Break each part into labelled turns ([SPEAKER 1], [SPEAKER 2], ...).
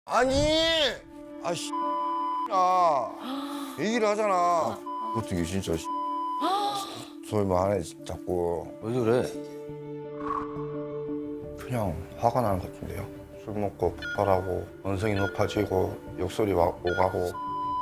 [SPEAKER 1] 아니, 아씨, 얘기를 하잖아. 어떻게 진짜 소리만 하네 자꾸.
[SPEAKER 2] 왜 그래?
[SPEAKER 1] 그냥 화가 나는 것 같은데요. 술 먹고 폭발하고 언성이 높아지고 욕설이 막 오가고.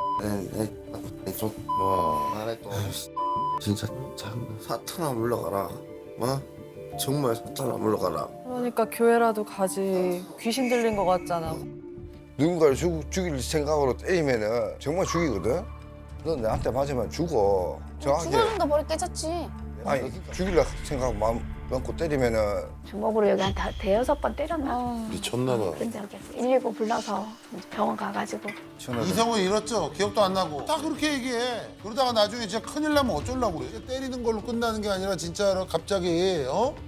[SPEAKER 3] 말해 또 진짜 사탄아 물러가라. 정말 사탄아 물러가라.
[SPEAKER 4] 그러니까 교회라도 가지. 귀신 들린 것 같잖아.
[SPEAKER 1] 누군가를 죽일 생각으로 때리면은 정말 죽이거든. 너 나한테 맞으면 죽어. 정확하게.
[SPEAKER 5] 죽어준다 머리 깨졌지.
[SPEAKER 1] 아니 죽일라 생각 마음 먹고 때리면은
[SPEAKER 5] 주먹으로 여기 한 대여섯 번 때렸나?
[SPEAKER 3] 미쳤나봐.
[SPEAKER 5] 근데 여기 119 불러서 병원 가가지고
[SPEAKER 6] 이성을 잃었죠. 기억도 안 나고. 다 그렇게 얘기해. 그러다가 나중에 진짜 큰일 나면 어쩌려고 그래. 때리는 걸로 끝나는 게 아니라 진짜로 갑자기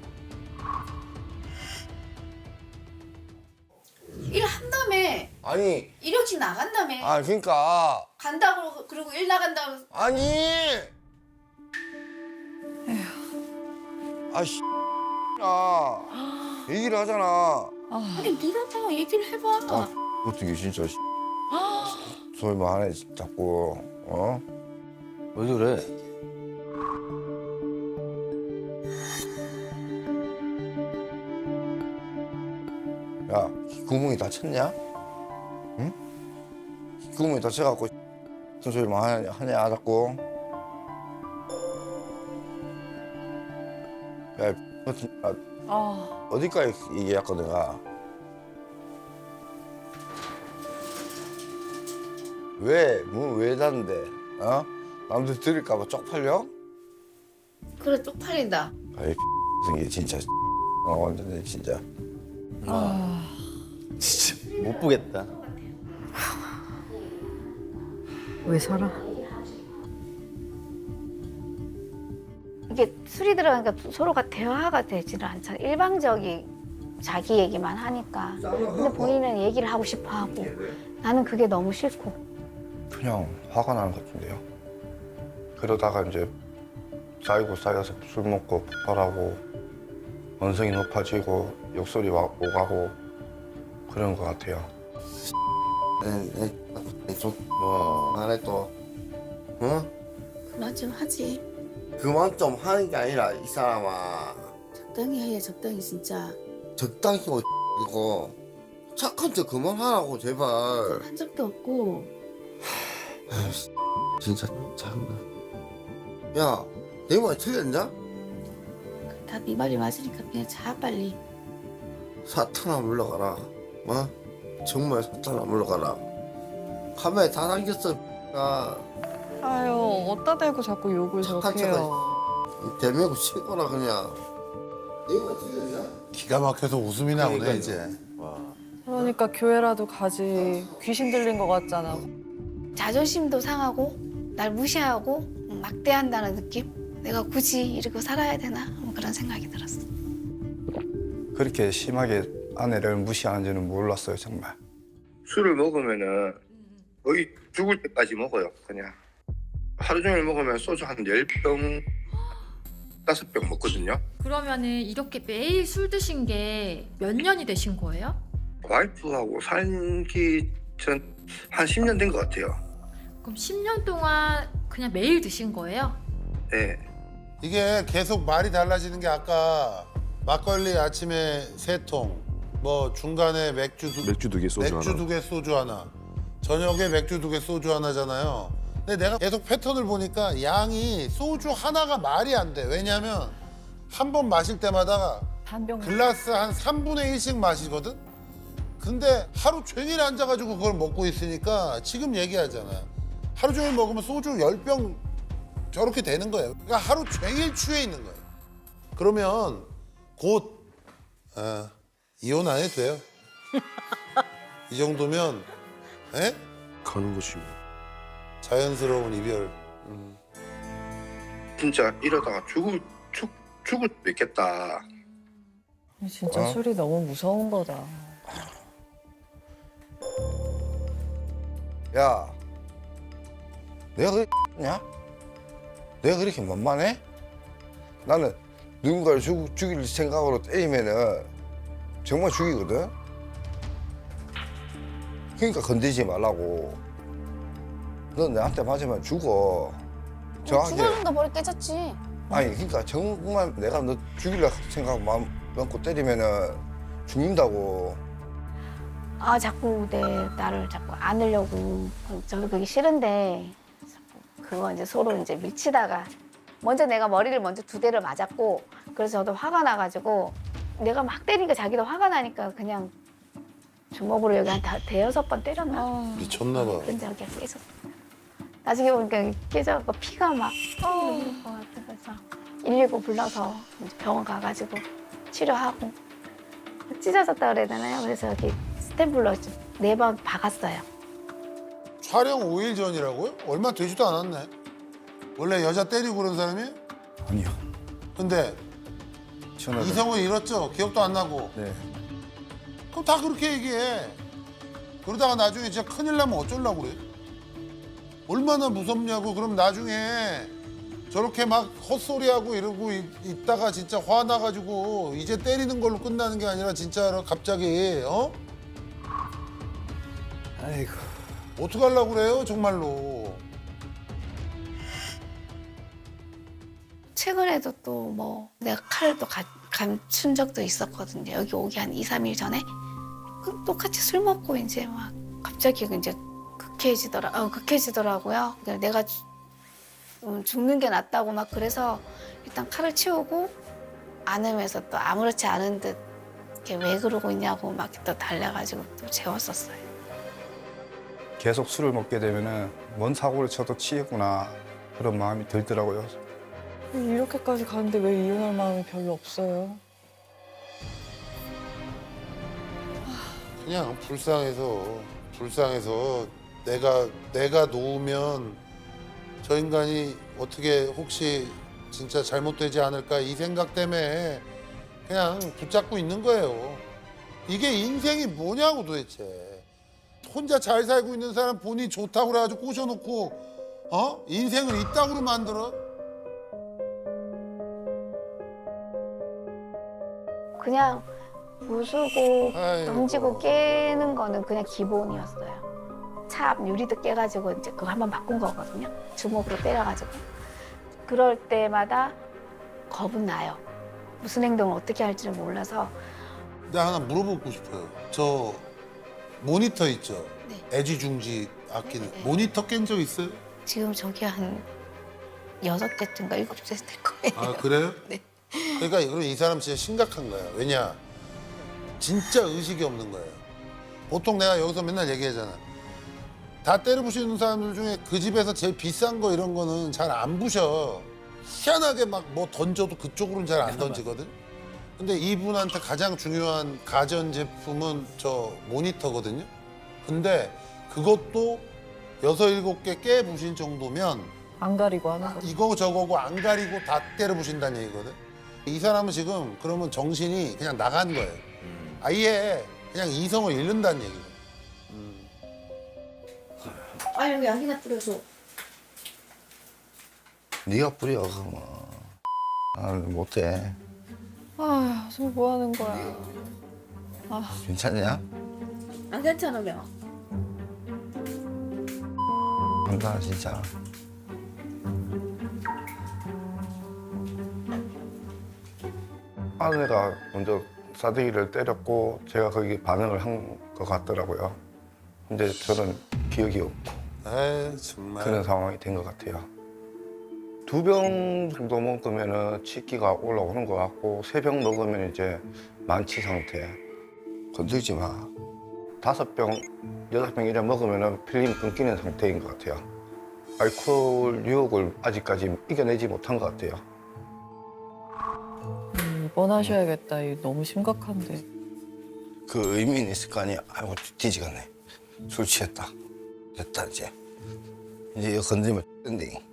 [SPEAKER 7] 일 한다며
[SPEAKER 1] 아니
[SPEAKER 7] 이력직 나간다며
[SPEAKER 1] 그러니까
[SPEAKER 7] 간다고 그러고 일 나간다고
[SPEAKER 1] 아니 아씨 얘기를 하잖아.
[SPEAKER 7] 아니 네가 얘기를 해봐.
[SPEAKER 1] 어떻게 진짜 소리만 하네 자꾸.
[SPEAKER 2] 왜 그래?
[SPEAKER 1] 야 구멍이 다쳤냐? 응? 구멍이 다쳐갖고 무슨 소리만 하냐 자꾸. 야 어디까지 얘기했거든 내가. 왜 닫는데? 남들 들을까봐 쪽팔려?
[SPEAKER 7] 그래 쪽팔린다.
[SPEAKER 1] 아이 생기 진짜 완전 진짜.
[SPEAKER 2] 진짜 못 보겠다.
[SPEAKER 4] 왜 살아?
[SPEAKER 5] 이게 술이 들어가니까 서로가 대화가 되지를 않잖아. 일방적인 자기 얘기만 하니까. 근데 본인은 얘기를 하고 싶어 하고 나는 그게 너무 싫고.
[SPEAKER 1] 그냥 화가 나는 것 같은데요. 그러다가 이제 쌓여서 술 먹고 폭발하고 언성이 높아지고 욕설이 막 오가고 그런 것 같아요.
[SPEAKER 3] 말해 또
[SPEAKER 7] 그만 좀 하지.
[SPEAKER 3] 그만 좀 하는 게 아니라 이 사람아
[SPEAKER 7] 적당히 해 적당히 진짜.
[SPEAKER 3] 적당히 이거 착한 척 그만하라고 제발.
[SPEAKER 7] 한 적도 없고.
[SPEAKER 3] 진짜 장난. 야, 내 말 틀렸냐?
[SPEAKER 7] 다 네 말이 맞으니까 그냥 자 빨리.
[SPEAKER 3] 사탄아 물러가라. 정말 사탄아 물러가라. 카메라에 다 담겼어.
[SPEAKER 4] 아유, 어디다 대고 자꾸 욕을
[SPEAKER 3] 착한
[SPEAKER 4] 저렇게 해요.
[SPEAKER 3] 대매고 치거라 그냥. 내 말 틀렸냐?
[SPEAKER 6] 기가 막혀서 웃음이 나오네
[SPEAKER 3] 그러니까요.
[SPEAKER 6] 이제.
[SPEAKER 4] 그러니까 교회라도 가지. 귀신 들린 것 같잖아.
[SPEAKER 5] 자존심도 상하고 날 무시하고 막대한다는 느낌? 내가 굳이 이러고 살아야 되나? 뭐 그런 생각이 들었어.
[SPEAKER 1] 그렇게 심하게 아내를 무시하는지는 몰랐어요 정말.
[SPEAKER 8] 술을 먹으면은 거의 죽을 때까지 먹어요. 그냥 하루 종일 먹으면 소주 한 10병, 5병 먹거든요.
[SPEAKER 9] 그러면은 이렇게 매일 술 드신 게 몇 년이 되신 거예요?
[SPEAKER 8] 와이프하고 살기 전 한 10년 된 것 같아요.
[SPEAKER 9] 그럼 10년 동안 그냥 매일 드신 거예요?
[SPEAKER 8] 네.
[SPEAKER 6] 이게 계속 말이 달라지는 게 아까 막걸리 아침에 3통, 뭐 중간에 맥주 2개 소주 하나, 저녁에 맥주 2개 소주 하나잖아요. 근데 내가 계속 패턴을 보니까 양이 소주 하나가 말이 안 돼. 왜냐면 한 번 마실 때마다
[SPEAKER 4] 반병.
[SPEAKER 6] 글라스 한 3분의 1씩 마시거든? 근데 하루 종일 앉아가지고 그걸 먹고 있으니까 지금 얘기하잖아. 하루 종일 먹으면 소주 10병 저렇게 되는 거예요. 그러니까 하루 종일 취해 있는 거예요. 그러면 곧 이혼 안 해도 돼요. 이 정도면
[SPEAKER 3] 가는 거지.
[SPEAKER 6] 자연스러운 이별.
[SPEAKER 8] 진짜 이러다가 죽을 수도 있겠다.
[SPEAKER 4] 진짜 술이 너무 무서운 거다.
[SPEAKER 1] 야, 내가 그랬냐? 내가 그렇게 만만해? 나는 누군가를 죽일 생각으로 때리면은 정말 죽이거든. 그러니까 건드리지 말라고. 넌 나한테 맞으면 죽어. 정확하게.
[SPEAKER 7] 죽어준다 머리 깨졌지.
[SPEAKER 1] 아니 그러니까 정말 내가 너 죽이려 생각 마음 먹고 때리면은 죽는다고.
[SPEAKER 5] 아 자꾸 나를 자꾸 안으려고 저도 그게 싫은데 자꾸 그거 이제 서로 이제 밀치다가 먼저 내가 머리를 먼저 2대를 맞았고 그래서 저도 화가 나가지고 내가 막 때리니까 자기도 화가 나니까 그냥 주먹으로 여기 한 5-6번 때렸나?
[SPEAKER 6] 미쳤나 봐.
[SPEAKER 5] 그런 적이 깨졌어. 나중에 보니까 깨져갖고 피가 막 흐르는 것 같아서 119 불러서 이제 병원 가가지고 치료하고 찢어졌다 그래야 되나요? 그래서 여기 스탬블러 4번 박았어요.
[SPEAKER 6] 촬영 5일 전이라고요? 얼마 되지도 않았네. 원래 여자 때리고 그런 사람이?
[SPEAKER 1] 아니요.
[SPEAKER 6] 근데
[SPEAKER 1] 시원하다.
[SPEAKER 6] 이성을 잃었죠. 기억도 안 나고.
[SPEAKER 1] 네.
[SPEAKER 6] 그럼 다 그렇게 얘기해. 그러다가 나중에 진짜 큰일 나면 어쩌려고 그래? 얼마나 무섭냐고. 그럼 나중에 저렇게 막 헛소리하고 이러고 있다가 진짜 화나가지고 이제 때리는 걸로 끝나는 게 아니라 진짜로 갑자기 어?
[SPEAKER 1] 아이고.
[SPEAKER 6] 어떡하려고 그래요 정말로.
[SPEAKER 7] 최근에도 또 뭐 내가 칼을 또 감춘 적도 있었거든요. 여기 오기 한 2-3일 전에. 그 똑같이 술 먹고 이제 막 갑자기 이제 극해지더라고요. 그러니까 내가 죽는 게 낫다고 막 그래서 일단 칼을 치우고 안으면서 또 아무렇지 않은 듯 이렇게 왜 그러고 있냐고 막 또 달래가지고 또 재웠었어요.
[SPEAKER 1] 계속 술을 먹게 되면은 뭔 사고를 쳐도 치겠구나 그런 마음이 들더라고요.
[SPEAKER 4] 이렇게까지 가는데 왜 이혼할 마음이 별로 없어요?
[SPEAKER 6] 그냥 불쌍해서 내가 놓으면 저 인간이 어떻게 혹시 진짜 잘못되지 않을까 이 생각 때문에 그냥 붙잡고 있는 거예요. 이게 인생이 뭐냐고 도대체. 혼자 잘 살고 있는 사람 본인이 좋다고 그래가지고 꼬셔놓고 어? 인생을 이따구로 만들어?
[SPEAKER 5] 그냥 부수고
[SPEAKER 6] 아이고.
[SPEAKER 5] 던지고 깨는 거는 그냥 기본이었어요. 차 앞 유리도 깨가지고 이제 그거 한번 바꾼 거거든요. 주먹으로 때려가지고. 그럴 때마다 겁은 나요. 무슨 행동을 어떻게 할지를 몰라서.
[SPEAKER 6] 내가 하나 물어보고 싶어요. 저 모니터 있죠?
[SPEAKER 7] 네.
[SPEAKER 6] 애지중지 아끼는
[SPEAKER 7] 네.
[SPEAKER 6] 모니터 깬 적 있어요?
[SPEAKER 7] 지금 저기 한 6대쯤가 7대 될 거예요.
[SPEAKER 6] 아 그래요?
[SPEAKER 7] 네.
[SPEAKER 6] 그러니까 그럼 이 사람 진짜 심각한 거야. 왜냐? 진짜 의식이 없는 거예요. 보통 내가 여기서 맨날 얘기하잖아. 다 때려 부시는 사람들 중에 그 집에서 제일 비싼 거 이런 거는 잘 안 부셔. 희한하게 막 뭐 던져도 그쪽으로는 잘 안 던지거든. 근데 이분한테 가장 중요한 가전 제품은 저 모니터거든요. 근데 그것도 6-7개 깨 부신 정도면
[SPEAKER 4] 안 가리고 하는 거.
[SPEAKER 6] 이거 저거고 안 가리고 다 때려 부신다는 얘기거든. 이 사람은 지금 그러면 정신이 그냥 나간 거예요. 아예 그냥 이성을 잃는다는 얘기예요.
[SPEAKER 7] 아 여기 양기나 뿌려서.
[SPEAKER 1] 네가 뿌려 그러면. 아 못해.
[SPEAKER 4] 아, 지금 뭐 하는 거야?
[SPEAKER 1] 괜찮냐?
[SPEAKER 7] 안 괜찮으면.
[SPEAKER 1] 한다 진짜. 아내가 먼저 싸대기를 때렸고 제가 거기 반응을 한 것 같더라고요. 근데 저는 기억이 없고
[SPEAKER 6] 에이 정말.
[SPEAKER 1] 그런 상황이 된 것 같아요. 2병 정도 먹으면 치기가 올라오는 것 같고 3병 먹으면 이제 만취 상태. 건들지 마. 5병, 6병 이래 먹으면 필름 끊기는 상태인 것 같아요. 알코올 유혹을 아직까지 이겨내지 못한 것 같아요.
[SPEAKER 4] 입원하셔야겠다. 이거 너무 심각한데.
[SPEAKER 1] 그 의미는 있을 거 아니야. 아이고 뒤지겠네. 술 취했다. 됐다 이제. 이제 이거 건드리면 뜬데.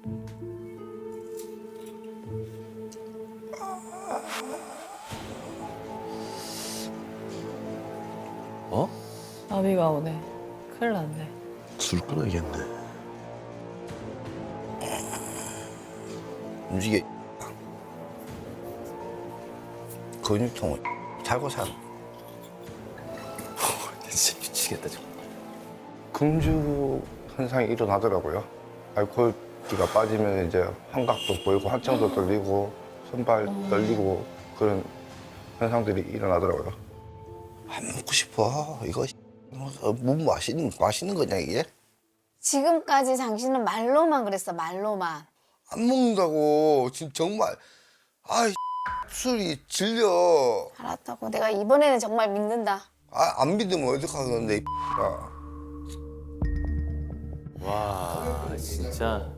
[SPEAKER 2] 어?
[SPEAKER 4] 아비가 오네. 큰일 났네.
[SPEAKER 3] 술 끊어야겠네.
[SPEAKER 1] 움직여. 근육통을 잘고 살.
[SPEAKER 2] 진짜 미치겠다 정말.
[SPEAKER 1] 금주 현상이 일어나더라고요. 알코올기가 빠지면 이제 환각도 보이고 한청도 떨리고 손발 떨리고 그런 현상들이 일어나더라고요.
[SPEAKER 3] 안 먹고 싶어. 이거 뭐 맛있는 거냐 이게?
[SPEAKER 5] 지금까지 당신은 말로만 그랬어, 말로만.
[SPEAKER 3] 안 먹는다고 지금 정말 아이 술이 질려.
[SPEAKER 5] 알았다고. 내가 이번에는 정말 믿는다.
[SPEAKER 3] 안 믿으면 어떡하겠는데 야.
[SPEAKER 2] 와, 진짜.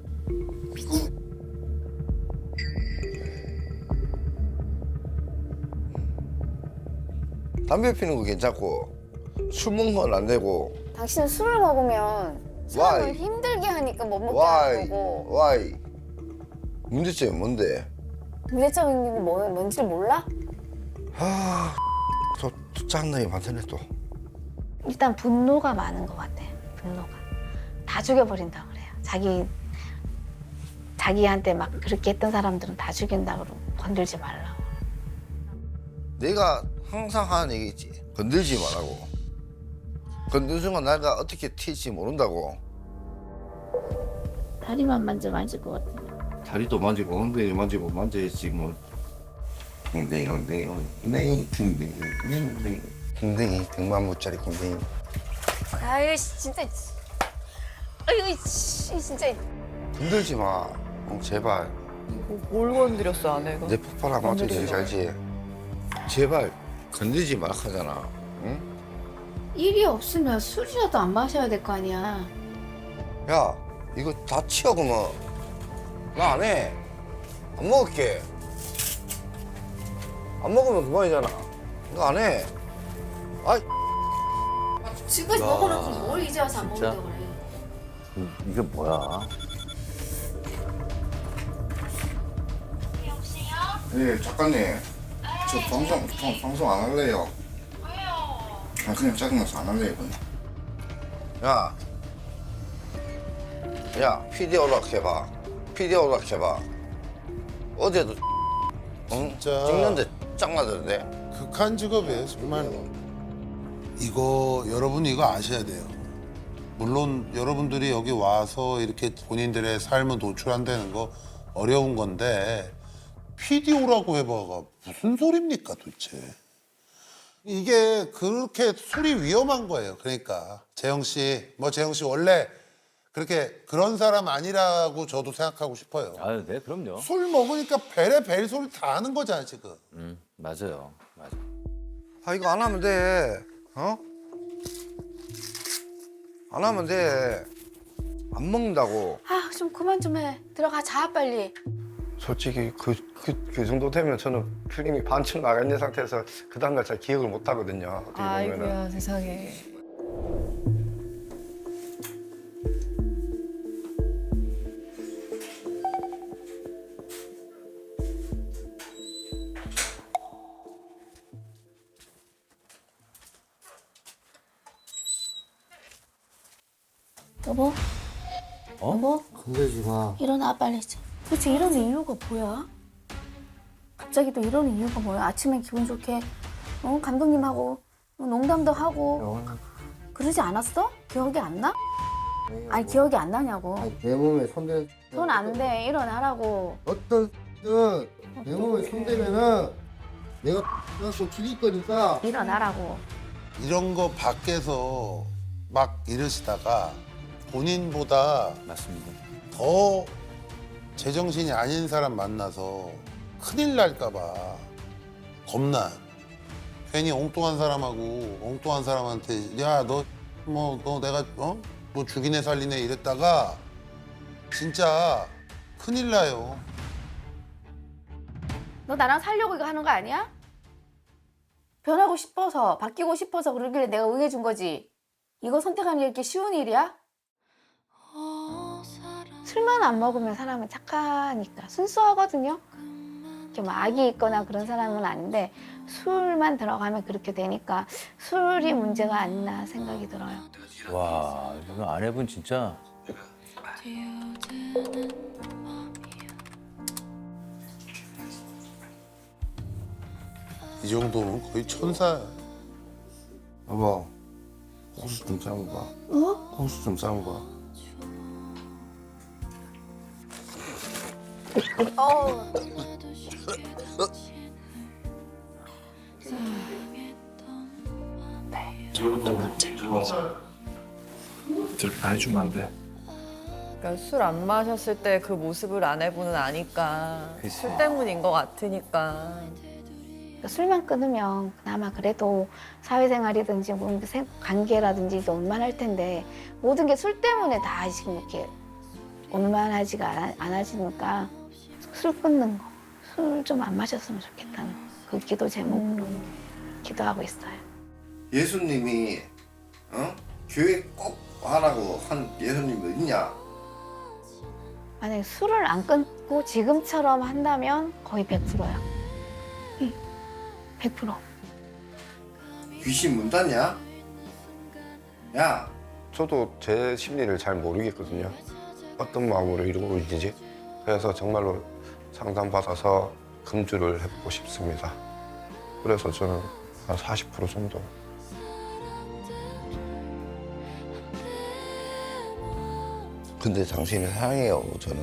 [SPEAKER 3] 담배 피는 거 괜찮고 술 먹는 건 안 되고.
[SPEAKER 5] 당신은 술을 먹으면 사람을
[SPEAKER 3] Why?
[SPEAKER 5] 힘들게 하니까 못 먹게
[SPEAKER 3] Why?
[SPEAKER 5] 하는 거고.
[SPEAKER 3] Why? 문제점이 뭔데?
[SPEAKER 5] 문제적인 게 뭔지 몰라?
[SPEAKER 3] 또 짱나게 많다네 또.
[SPEAKER 5] 일단 분노가 많은 것 같아. 분노가. 다 죽여버린다 그래요. 자기한테 막 그렇게 했던 사람들은 다 죽인다 그러고 건들지 말라고.
[SPEAKER 3] 내가 항상 하는 얘기지. 건들지 말라고. 건드는 순간 내가 어떻게 튈지 모른다고.
[SPEAKER 5] 다리만 만질 것 같아.
[SPEAKER 3] 다리도 만지고 엉덩이 만지고 만져야지 뭐. 엉덩이 궁뎅이 100만 무짜리 궁뎅이.
[SPEAKER 5] 아유 진짜. 아유 진짜.
[SPEAKER 1] 건들지 마. 제발.
[SPEAKER 4] 뭘 건드렸어 아내가?
[SPEAKER 3] 내 폭발 안 맞춰주지 알지? 제발 건들지 말라 하잖아. 응?
[SPEAKER 7] 일이 없으면 술이라도 안 마셔야 될 거 아니야.
[SPEAKER 3] 야 이거 다 치워 그러면. 나 안 해. 안 먹을게. 안 먹으면 그만이잖아. 나 안 해. 아이
[SPEAKER 7] 지금까지
[SPEAKER 2] 야,
[SPEAKER 7] 먹어놓고 뭘 이제 와서 안
[SPEAKER 2] 진짜?
[SPEAKER 7] 먹는다고 그래.
[SPEAKER 2] 이게 뭐야?
[SPEAKER 1] 예, 작가님. 저 방송 안 할래요. 왜요? 그냥 짜증나서 안 할래요, 그냥.
[SPEAKER 3] 야 PD 오락해봐. PD 오락해봐. 어제도 응?
[SPEAKER 6] 진짜.
[SPEAKER 3] 찍는데 짱나던데.
[SPEAKER 6] 극한 직업이에요, 정말로. 이거 여러분이 이거 아셔야 돼요. 물론 여러분들이 여기 와서 이렇게 본인들의 삶을 노출한다는 거 어려운 건데 PD오라고 해봐가 무슨 소리입니까 도대체. 이게 그렇게 술이 위험한 거예요. 그러니까 재영 씨 원래 그렇게 그런 사람 아니라고 저도 생각하고 싶어요.
[SPEAKER 2] 아유, 네, 그럼요.
[SPEAKER 6] 술 먹으니까 벨에 벨 소리 다 하는 거잖아 지금.
[SPEAKER 2] 맞아요. 맞아.
[SPEAKER 3] 아 이거 안 하면 돼. 어? 안 하면 돼. 안 먹는다고.
[SPEAKER 5] 아 좀 그만 좀 해. 들어가 자 빨리.
[SPEAKER 1] 솔직히 그 정도 되면 저는 필름이 반쯤 나가 있는 상태에서 그 다음날 잘 기억을 못 하거든요. 어떻게 보면은.
[SPEAKER 4] 아이고야 세상에.
[SPEAKER 7] 여보?
[SPEAKER 2] 어?
[SPEAKER 7] 여보?
[SPEAKER 3] 건들지 마.
[SPEAKER 7] 일어나 빨리. 도대체 이러는 이유가 뭐야? 갑자기 또 이러는 이유가 뭐야? 아침에 기분 좋게 감독님하고 농담도 하고 그러지 않았어? 기억이 안 나? 아니 기억이 안 나냐고.
[SPEAKER 3] 내 몸에 손대.
[SPEAKER 5] 손 안 돼. 일어나라고.
[SPEAKER 3] 어떤 내 몸에 손대면은 내가 또 죽일 거니까.
[SPEAKER 5] 일어나라고.
[SPEAKER 6] 이런 거 밖에서 막 이러시다가 본인보다
[SPEAKER 2] 맞습니다.
[SPEAKER 6] 더 제정신이 아닌 사람 만나서 큰일 날까 봐 겁나. 괜히 엉뚱한 사람하고 엉뚱한 사람한테 야 너 내가 뭐 죽이네 살리네 이랬다가 진짜 큰일 나요.
[SPEAKER 5] 너 나랑 살려고 이거 하는 거 아니야? 변하고 싶어서 바뀌고 싶어서 그러길래 내가 응해준 거지. 이거 선택하는 게 이렇게 쉬운 일이야? 술만 안 먹으면 사람은 착하니까 순수하거든요. 이렇게 뭐 악이 있거나 그런 사람은 아닌데 술만 들어가면 그렇게 되니까 술이 문제가 아니나 생각이 들어요.
[SPEAKER 2] 와, 이거 아내분 진짜.
[SPEAKER 6] 이 정도면 거의 천사야.
[SPEAKER 3] 여보,
[SPEAKER 1] 호수 좀 싸고 가.
[SPEAKER 7] 어?
[SPEAKER 1] 호수 좀 싸고 가.
[SPEAKER 10] 해주면 안 돼.
[SPEAKER 4] 그러니까 술 안 마셨을 때 그 모습을 아내분은 아니까
[SPEAKER 2] 그치.
[SPEAKER 4] 술 때문인 것 같으니까.
[SPEAKER 5] 술만 끊으면 그나마 그래도 사회생활이든지 뭐 관계라든지 이게 원만할 텐데 모든 게 술 때문에 다 지금 이렇게 원만하지가 않아지니까 술 끊는 거, 술 좀 안 마셨으면 좋겠다는 그 기도 제목으로 기도하고 있어요.
[SPEAKER 3] 예수님이 교회 꼭 하라고 한 예수님도 있냐?
[SPEAKER 5] 만약에 술을 안 끊고 지금처럼 한다면 거의 100%야. 100%.
[SPEAKER 3] 귀신 문닫냐? 야,
[SPEAKER 1] 저도 제 심리를 잘 모르겠거든요. 어떤 마음으로 이러고 있는지. 그래서 정말로 상담받아서 금주를 해보고 싶습니다. 그래서 저는 한 40% 정도.
[SPEAKER 3] 근데 당신을 사랑해요, 저는.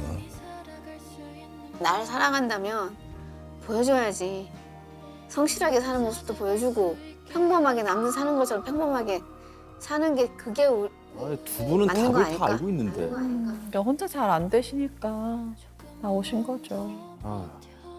[SPEAKER 7] 나를 사랑한다면 보여줘야지. 성실하게 사는 모습도 보여주고 평범하게 남들 사는 것처럼 평범하게 사는 게 그게
[SPEAKER 2] 두 분은
[SPEAKER 7] 맞는 거
[SPEAKER 2] 답을
[SPEAKER 7] 아닐까?
[SPEAKER 2] 다 알고 있는데.
[SPEAKER 4] 그러니까 혼자 잘 안 되시니까 나오신 거죠.
[SPEAKER 2] 아,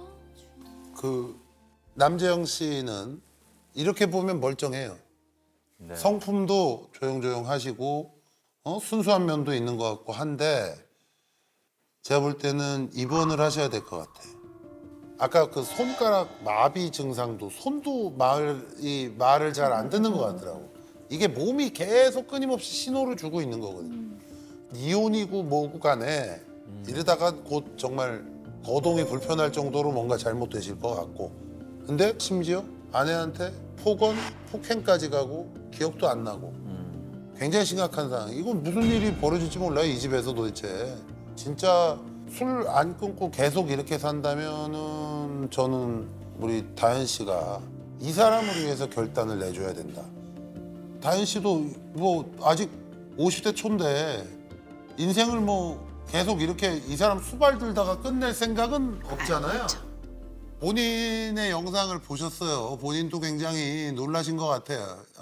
[SPEAKER 6] 그 남재영 씨는 이렇게 보면 멀쩡해요.
[SPEAKER 2] 네.
[SPEAKER 6] 성품도 조용조용하시고 순수한 면도 있는 것 같고 한데 제가 볼 때는 입원을 하셔야 될 것 같아. 아까 그 손가락 마비 증상도 손도 말을 잘 안 듣는 것 같더라고. 이게 몸이 계속 끊임없이 신호를 주고 있는 거거든요. 이혼이고 뭐고 간에 이러다가 곧 정말 거동이 불편할 정도로 뭔가 잘못되실 것 같고. 근데 심지어 아내한테 폭행까지 가고 기억도 안 나고. 굉장히 심각한 상황. 이건 무슨 일이 벌어질지 몰라요, 이 집에서 도대체. 진짜 술 안 끊고 계속 이렇게 산다면은 저는 우리 다현 씨가 이 사람을 위해서 결단을 내줘야 된다. 다현 씨도 뭐 아직 50대 초인데 인생을 뭐 계속 이렇게 이 사람 수발 들다가 끝낼 생각은 없잖아요. 본인의 영상을 보셨어요. 본인도 굉장히 놀라신 것 같아요.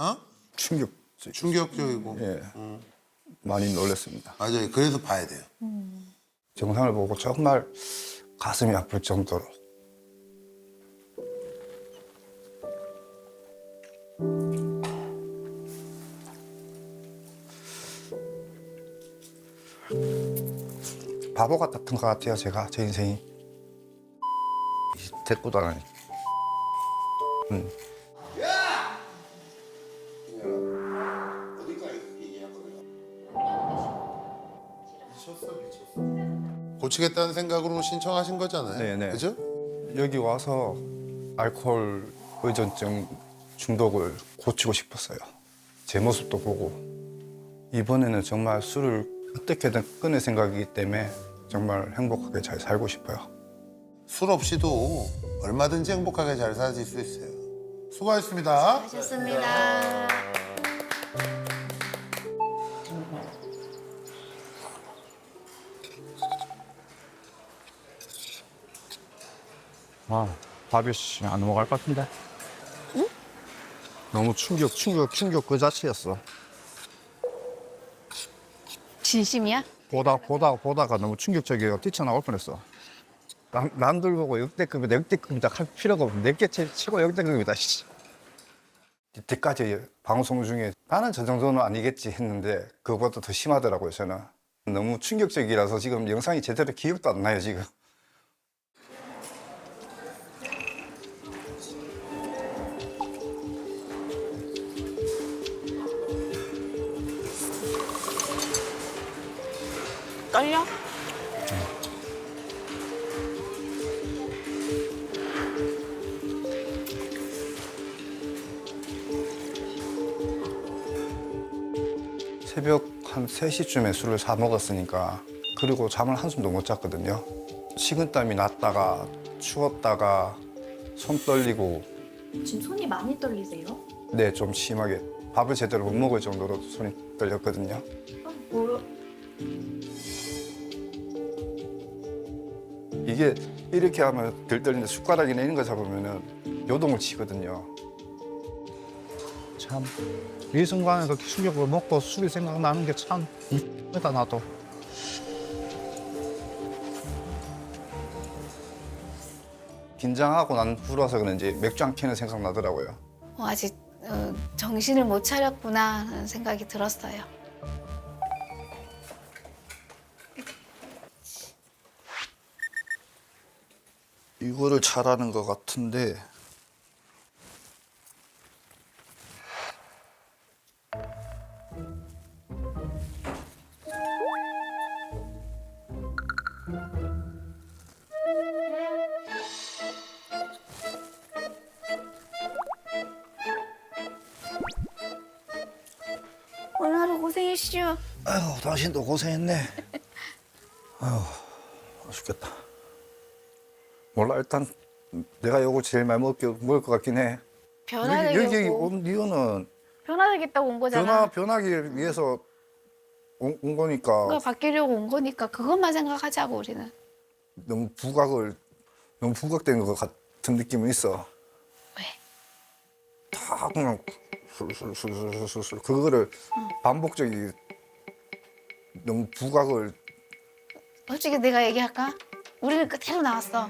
[SPEAKER 6] 충격적이고.
[SPEAKER 1] 예, 많이 놀랐습니다.
[SPEAKER 6] 맞아요. 그래서 봐야 돼요.
[SPEAKER 1] 영상을 보고 정말 가슴이 아플 정도로. 바보 같았던 것 같아요, 제 인생이. 데리고 다니.
[SPEAKER 6] 고치겠다는 생각으로 신청하신 거잖아요.
[SPEAKER 1] 네네.
[SPEAKER 6] 그죠?
[SPEAKER 1] 여기 와서 알코올 의존증 중독을 고치고 싶었어요. 제 모습도 보고. 이번에는 정말 술을 어떻게든 끊을 생각이기 때문에 정말 행복하게 잘 살고 싶어요.
[SPEAKER 6] 술 없이도 얼마든지 행복하게 잘 사실 수 있어요. 수고하셨습니다.
[SPEAKER 7] 하셨습니다.
[SPEAKER 1] 아, 밥이 안 넘어갈 것 같은데. 응? 너무 충격 그 자체였어.
[SPEAKER 7] 진심이야?
[SPEAKER 1] 보다가 너무 충격적이어서 뛰쳐나올 뻔했어. 남들 보고 역대급이다 할 필요가 없어. 내게 최고 역대급이다. 씨. 이때까지 방송 중에 나는 저 정도는 아니겠지 했는데 그거보다 더 심하더라고요, 저는. 너무 충격적이라서 지금 영상이 제대로 기억도 안 나요, 지금.
[SPEAKER 7] 떨려?
[SPEAKER 1] 새벽 한 3시쯤에 술을 사 먹었으니까 그리고 잠을 한숨도 못 잤거든요. 식은땀이 났다가 추웠다가 손 떨리고
[SPEAKER 9] 지금 손이 많이 떨리세요?
[SPEAKER 1] 네, 좀 심하게 밥을 제대로 못 먹을 정도로 손이 떨렸거든요. 이게 이렇게 하면 덜 떨리는데 숟가락이나 이런 거 잡으면은 요동을 치거든요.
[SPEAKER 10] 참 이 순간에 그 충격을 먹고 술이 생각나는 게 참 이쁘다 나도.
[SPEAKER 1] 긴장하고 난 후라서 그런지 맥주 한 캔은 생각나더라고요.
[SPEAKER 7] 아직 정신을 못 차렸구나 하는 생각이 들었어요.
[SPEAKER 3] 이거를 잘하는 것 같은데
[SPEAKER 7] 오늘 하루 고생했슈.
[SPEAKER 3] 아이고 당신도 고생했네. 아휴 죽겠다.
[SPEAKER 1] 몰라 일단 내가 요거 제일 많이 먹을 것 같긴 해. 여기
[SPEAKER 7] 변화되겠고
[SPEAKER 1] 온 이유는
[SPEAKER 7] 변화되겠다고 온 거잖아.
[SPEAKER 1] 변하기 위해서 온 거니까
[SPEAKER 7] 뭔가 바뀌려고 온 거니까 그것만 생각하자고 우리는.
[SPEAKER 1] 너무 부각된 것 같은 느낌은 있어.
[SPEAKER 7] 왜?
[SPEAKER 1] 다 그냥 술술술술술 그거를 반복적이 너무 부각을
[SPEAKER 7] 솔직히 내가 얘기할까? 우리는 그대로 나왔어.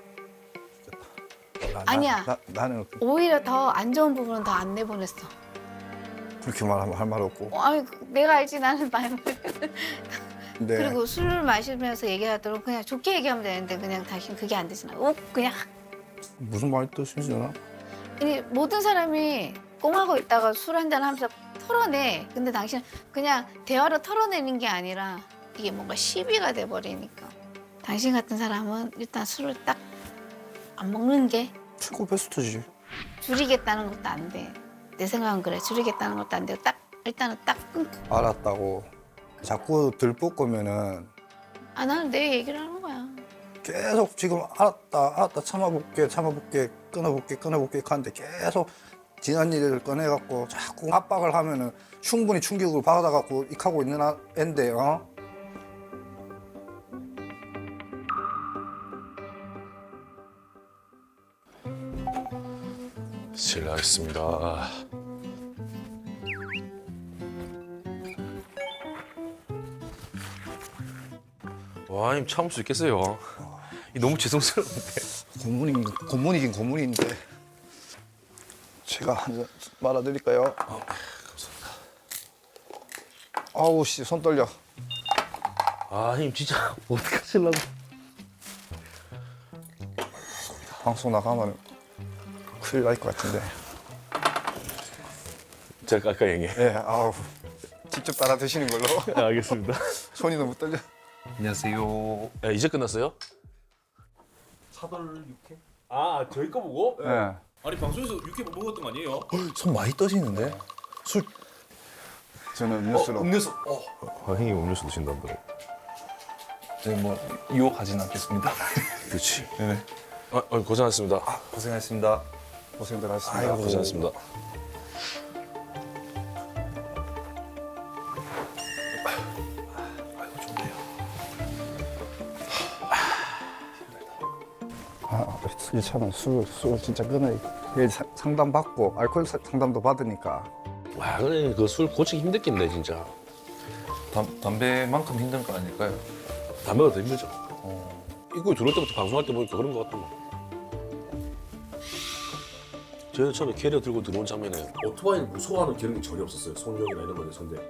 [SPEAKER 7] 아니야.
[SPEAKER 1] 나는
[SPEAKER 7] 오히려 더 안 좋은 부분은 더 안 내보냈어.
[SPEAKER 1] 그렇게 말하면 할 말 없고.
[SPEAKER 7] 아니 내가 알지 나는 말.
[SPEAKER 1] 근데
[SPEAKER 7] 그리고 술을 마시면서 얘기하도록 그냥 좋게 얘기하면 되는데 그냥 당신 그게 안 되잖아. 그냥
[SPEAKER 1] 무슨 말이 뜻이잖아.
[SPEAKER 7] 아니, 모든 사람이 꽁하고 있다가 술 한잔 하면서 털어내. 근데 당신은 그냥 대화로 털어내는 게 아니라 이게 뭔가 시비가 돼버리니까. 당신 같은 사람은 일단 술을 딱 안 먹는 게
[SPEAKER 1] 최고 베스트지.
[SPEAKER 7] 줄이겠다는 것도 안 돼. 내 생각은 그래. 줄이겠다는 것도 안 되고 딱 일단은 딱 끊고.
[SPEAKER 1] 알았다고 자꾸 들볶으면은
[SPEAKER 7] 아 나는 내 얘기를 하는 거야.
[SPEAKER 1] 계속 지금 알았다 참아볼게 끊어볼게 하는데 계속 지난 일을 꺼내갖고 자꾸 압박을 하면은 충분히 충격을 받아갖고 익하고 있는 앤데
[SPEAKER 11] 실례하겠습니다. 와, 님 참을 수 있겠어요? 너무 죄송스러운데.
[SPEAKER 1] 고문이긴 고문인데 제가 한 잔 말아드릴까요? 아우 씨 손 떨려.
[SPEAKER 11] 아, 님 진짜 어떡하실라고.
[SPEAKER 1] 방송 나가면 큰일 날 것 같은데.
[SPEAKER 11] 제가 아까 얘기해.
[SPEAKER 1] 예, 아우 직접 따라 드시는 걸로.
[SPEAKER 11] 알겠습니다.
[SPEAKER 1] 손이 너무 떨려.
[SPEAKER 2] 안녕하세요.
[SPEAKER 11] 야, 이제 끝났어요?
[SPEAKER 2] 차돌 육회? 아 저희 거 보고?
[SPEAKER 1] 예.
[SPEAKER 2] 아니 방송에서 육회 먹었던 거 아니에요?
[SPEAKER 11] 손 많이 떠지는데?
[SPEAKER 1] 저는 음료수로.
[SPEAKER 2] 음료수.
[SPEAKER 11] 아, 형님 음료수 드신다더라고.
[SPEAKER 2] 네, 뭐 유혹하진 않겠습니다.
[SPEAKER 11] 그렇지.
[SPEAKER 2] 네.
[SPEAKER 11] 고생하셨습니다.
[SPEAKER 2] 고생하셨습니다.
[SPEAKER 1] 고생들 하셨습니다.
[SPEAKER 11] 아이고, 고생하셨습니다.
[SPEAKER 1] 이 차는 술 진짜 끊어야 돼. 상담 받고 알코올 상담도 받으니까.
[SPEAKER 11] 와, 근데 그 술 고치기 힘들겠네, 진짜.
[SPEAKER 2] 담배만큼 힘든 거 아닐까요?
[SPEAKER 11] 담배가 더 힘들죠. 이거 들어올 때부터 방송할 때 보니까 그런 것 같더만. 저희는 처음에 캐리어 들고 들어온 장면에 오토바이를 무서워하는 경험이 전혀 없었어요. 손력이나 이런 거에 선대.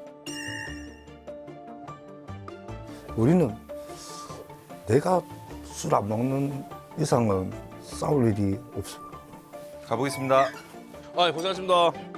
[SPEAKER 1] 우리는 내가 술 안 먹는 이상은 싸울 일이 없어.
[SPEAKER 2] 가보겠습니다.
[SPEAKER 11] 아, 고생하셨습니다.